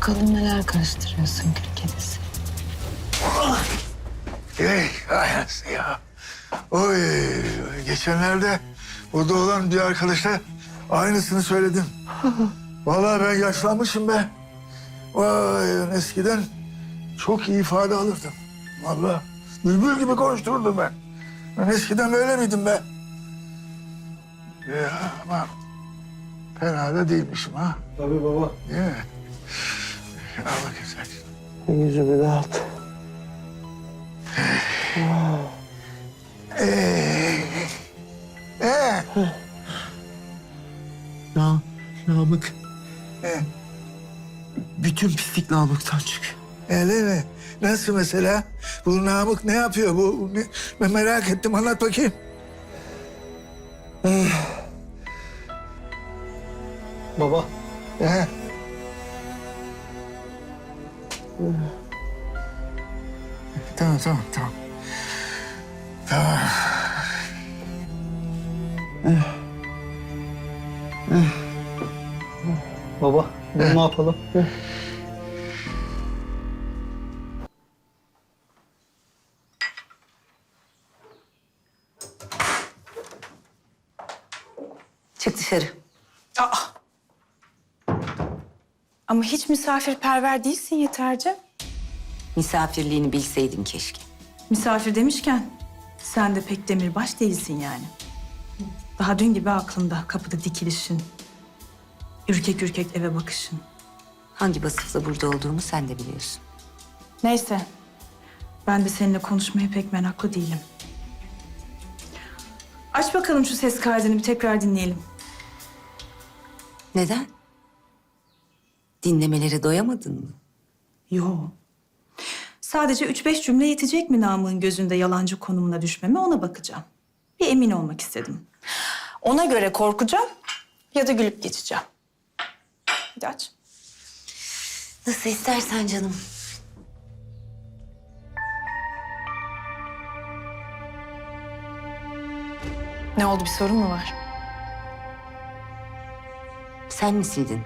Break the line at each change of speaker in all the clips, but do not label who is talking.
Bakalım neler karıştırıyorsun kül kedisi.
Ay ya. Oy, geçenlerde burada olan bir arkadaşa aynısını söyledim. Vallahi ben yaşlanmışım be. Vay, eskiden çok iyi ifade alırdım. Vallahi bülbül gibi konuştururdum ben. Ben eskiden böyle miydim be? Ya ama fena da değilmişim ha.
Tabii baba.
Değil mi? Al bakayım sen.
Yüzümü dağıt.
Ee,
Namık.
ee,
Bütün pislik Namık'tan çık.
öyle mi? Nasıl mesela? Bu Namık ne yapıyor? Ben merak ettim. Anlat bakayım.
Baba.
Ee, tamam. Tamam.
Baba, ne yapalım?
Çık dışarı.
Ama hiç misafirperver değilsin Yeterci.
Misafirliğini bilseydin keşke.
Misafir demişken sen de pek demirbaş değilsin yani. Daha dün gibi aklımda kapıda dikilişin. Ürkek ürkek eve bakışın.
Hangi vasıfla burada olduğumu sen de biliyorsun.
Neyse. Ben de seninle konuşmaya pek meraklı değilim. Aç bakalım şu ses kaydını bir tekrar dinleyelim.
Neden? Dinlemelere doyamadın mı?
Yo. Sadece 3-5 cümle yetecek mi Namık'ın gözünde yalancı konumuna düşmeme ona bakacağım. Bir emin olmak istedim. Ona göre korkacağım ya da gülüp geçeceğim. Hadi aç.
Nasıl istersen canım.
Ne oldu, bir sorun mu var?
Sen mi sildin?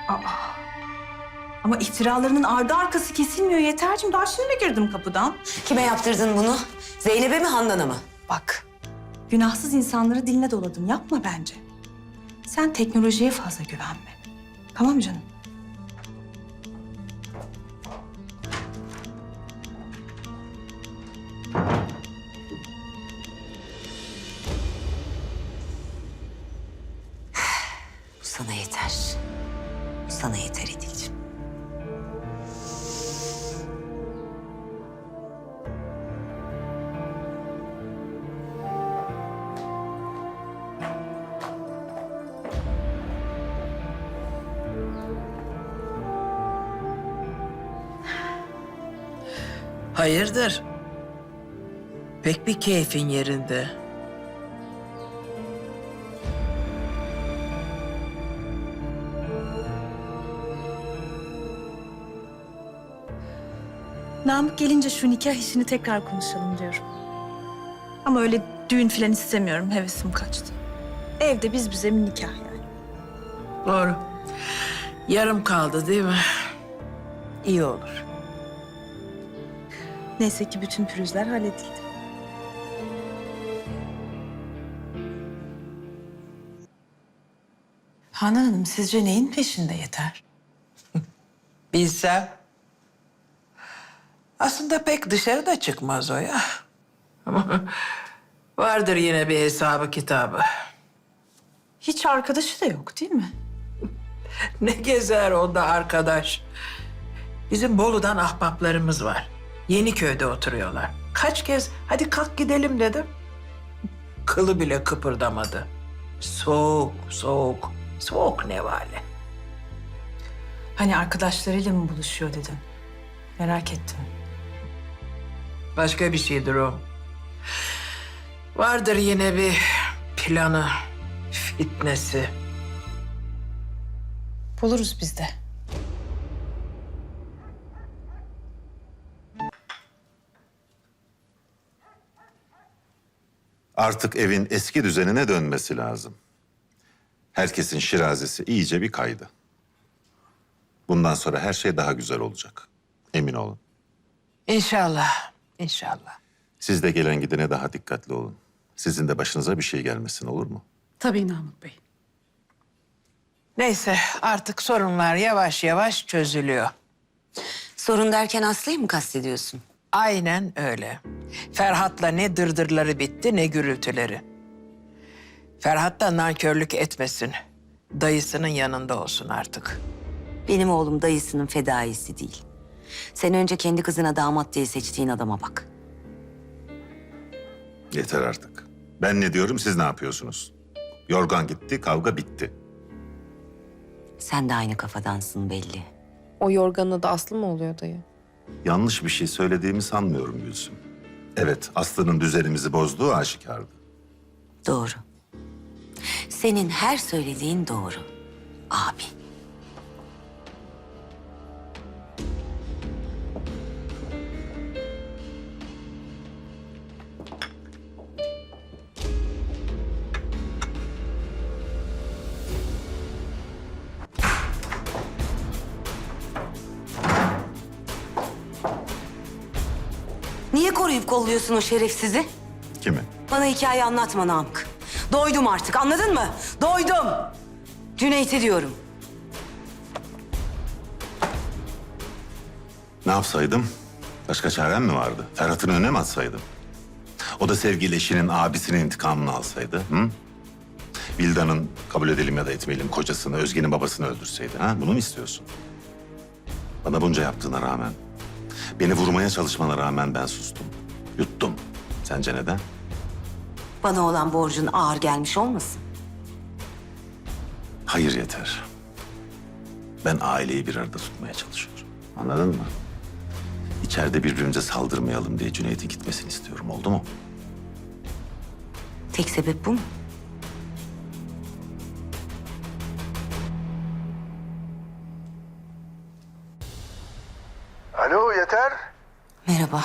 Ama iftiralarının ardı arkası kesilmiyor Yetercim. Daha şimdi girdim kapıdan.
Kime yaptırdın bunu? Zeynep'e mi, Handan'a mı?
Bak, günahsız insanları diline doladın. Yapma bence. Sen teknolojiye fazla güvenme. Tamam canım?
Bu sana yeter. Bu sana yeter Edil'ciğim.
Hayırdır? Pek bir keyfin yerinde.
Namık gelince şu nikah işini tekrar konuşalım diyorum. Ama öyle düğün falan istemiyorum. Hevesim kaçtı. Evde biz bize bir nikah yani.
Doğru. Yarım kaldı değil mi? İyi olur.
Neyse ki bütün pürüzler halledildi.
Hanan Hanım, sizce neyin peşinde Yeter?
Bilsem. Aslında pek dışarı da çıkmaz o ya. Ama vardır yine bir hesabı kitabı.
Hiç arkadaşı da yok değil mi?
Ne gezer onda arkadaş. Bizim Bolu'dan ahbaplarımız var. Yeniköy'de oturuyorlar. Kaç kez hadi kalk gidelim dedim. Kılı bile kıpırdamadı. Soğuk nevale.
Hani arkadaşlarıyla mı buluşuyor dedim. Merak ettim.
Başka bir şeydir o. Vardır yine bir planı, fitnesi.
Buluruz biz de.
Artık evin eski düzenine dönmesi lazım. Herkesin şirazesi iyice bir kaydı. Bundan sonra her şey daha güzel olacak. Emin olun.
İnşallah, inşallah.
Siz de gelen gidene daha dikkatli olun. Sizin de başınıza bir şey gelmesin, olur mu?
Tabii Namık Bey.
Neyse artık sorunlar yavaş yavaş çözülüyor.
Sorun derken Aslı'yı mı kastediyorsun?
Aynen öyle. Ferhat'la ne dırdırları bitti ne gürültüleri. Ferhat da nankörlük etmesin. Dayısının yanında olsun artık.
Benim oğlum dayısının fedaisi değil. Sen önce kendi kızına damat diye seçtiğin adama bak.
Yeter artık. Ben ne diyorum, siz ne yapıyorsunuz? Yorgan gitti, kavga bitti.
Sen de aynı kafadansın belli.
O yorganın adı Aslı mı oluyor dayı?
Yanlış bir şey söylediğimi sanmıyorum Gülsüm. Evet, Aslı'nın düzenimizi bozduğu aşikardı.
Doğru. Senin her söylediğin doğru. Abi. Niye koruyup kolluyorsun o şerefsizi?
Kimi?
Bana hikaye anlatma Namık. Doydum artık, anladın mı? Doydum. Cüneyt'i diyorum.
Ne yapsaydım? Başka çarem mi vardı? Ferhat'ın önüne mi atsaydım? O da sevgili eşinin abisinin intikamını alsaydı. Hı? Vildan'ın, kabul edelim ya da etmeyelim, kocasını, Özge'nin babasını öldürseydi. Ha? Bunu mu istiyorsun? Bana bunca yaptığına rağmen, beni vurmaya çalışmana rağmen ben sustum. Yuttum. Sence neden?
Bana olan borcun ağır gelmiş olmasın?
Hayır, yeter. Ben aileyi bir arada tutmaya çalışıyorum. Anladın mı? İçeride birbirimize saldırmayalım diye Cüneyt'in gitmesini istiyorum. Oldu mu?
Tek sebep bu mu?
Alo Yeter.
Merhaba.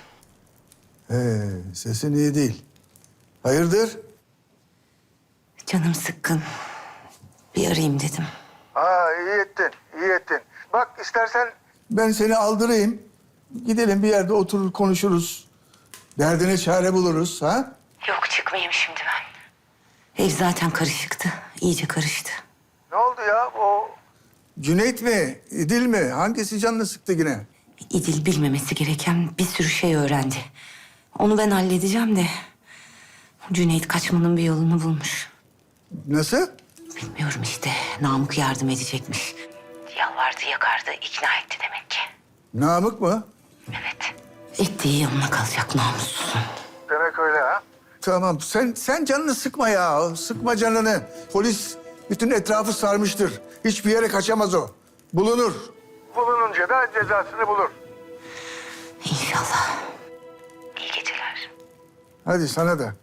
Sesin iyi değil. Hayırdır?
Canım sıkkın. Bir arayayım dedim.
İyi ettin, iyi ettin. Bak istersen ben seni aldırayım. Gidelim bir yerde oturur konuşuruz. Derdine çare buluruz ha?
Yok çıkmayayım şimdi ben. Ev zaten karışıktı. İyice karıştı.
Ne oldu ya o? Cüneyt mi, İdil mi? Hangisi canını sıktı yine?
İdil bilmemesi gereken bir sürü şey öğrendi. Onu ben halledeceğim de... Cüneyt kaçmanın bir yolunu bulmuş.
Nasıl?
Bilmiyorum işte. Namık yardım edecekmiş. Yalvardı yakardı ikna etti demek ki.
Namık mı?
Evet. Ettiği yanına kalacak namussuzun.
Demek öyle ha? Tamam sen canını sıkma ya. Sıkma canını. Polis bütün etrafı sarmıştır. Hiçbir yere kaçamaz o. Bulunur. Bulununca da cezasını bulur.
İnşallah. İyi geceler.
Hadi sana da.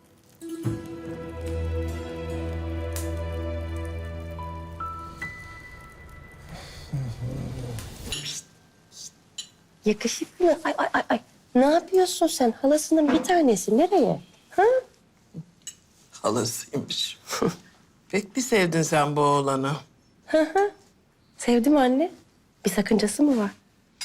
Yakışıklı. Ay. Ne yapıyorsun sen? Halasının bir tanesi. Nereye? Ha?
Halasıymış. Pek bir sevdin sen bu oğlanı.
Sevdim anne. Bir sakıncası mı var?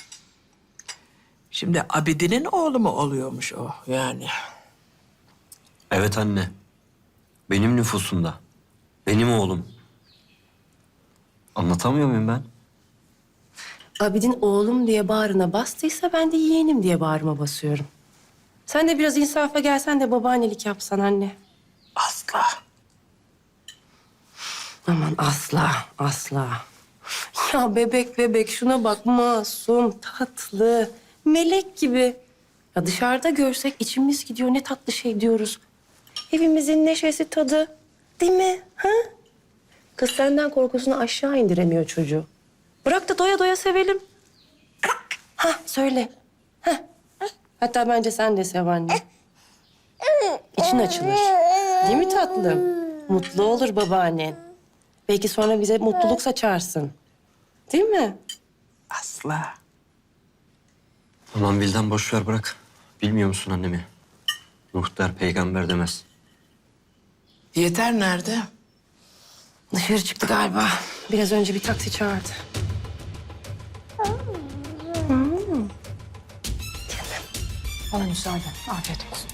Şimdi Abidin'in oğlu mu oluyormuş o yani?
Evet anne. Benim nüfusumda. Benim oğlum. Anlatamıyor muyum ben?
Abidin oğlum diye bağrına bastıysa ben de yeğenim diye bağrıma basıyorum. Sen de biraz insafa gelsen de babaannelik yapsan anne.
Asla.
Aman asla. Ya bebek şuna bak, masum, tatlı, melek gibi. Ya dışarıda görsek içimiz gidiyor, ne tatlı şey diyoruz. Evimizin neşesi, tadı, değil mi? Ha? Kız senden korkusunu aşağı indiremiyor çocuğu. Bırak da doya doya sevelim. Ha söyle. Ha. Hatta bence sen de sev anne. İçin açılır. Değil mi tatlım? Mutlu olur babaannen. Belki sonra bize mutluluk saçarsın. Değil mi?
Asla.
Aman Vildan boş ver bırak. Bilmiyor musun annemi? Muhtar peygamber demez.
Yeter nerede?
Dışarı çıktı galiba. Biraz önce bir taksi çağırdı.
Bana müsaade. Afiyet olsun.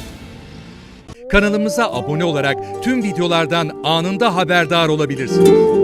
Kanalımıza abone olarak tüm videolardan anında haberdar olabilirsiniz.